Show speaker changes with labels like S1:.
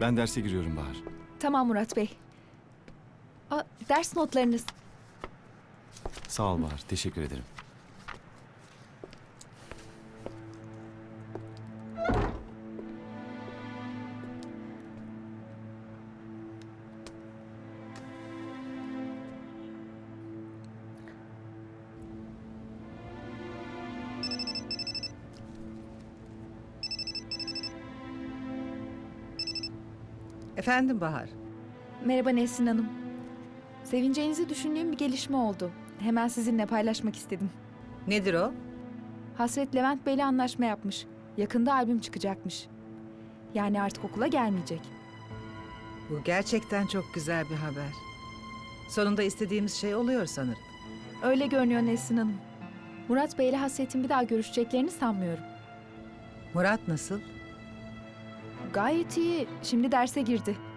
S1: Ben derse giriyorum Bahar.
S2: Tamam Murat Bey. Ders notlarınız.
S1: Sağ ol Bahar, teşekkür ederim.
S3: Efendim Bahar.
S2: Merhaba Nesrin Hanım. Sevineceğinizi düşündüğüm bir gelişme oldu. Hemen sizinle paylaşmak istedim.
S3: Nedir o?
S2: Hasret Levent Bey'le anlaşma yapmış. Yakında albüm çıkacakmış. Yani artık okula gelmeyecek.
S3: Bu gerçekten çok güzel bir haber. Sonunda istediğimiz şey oluyor sanırım.
S2: Öyle görünüyor Nesrin Hanım. Murat Bey'le Hasret'in bir daha görüşeceklerini sanmıyorum.
S3: Murat nasıl?
S2: Gayet iyi. Şimdi derse girdi.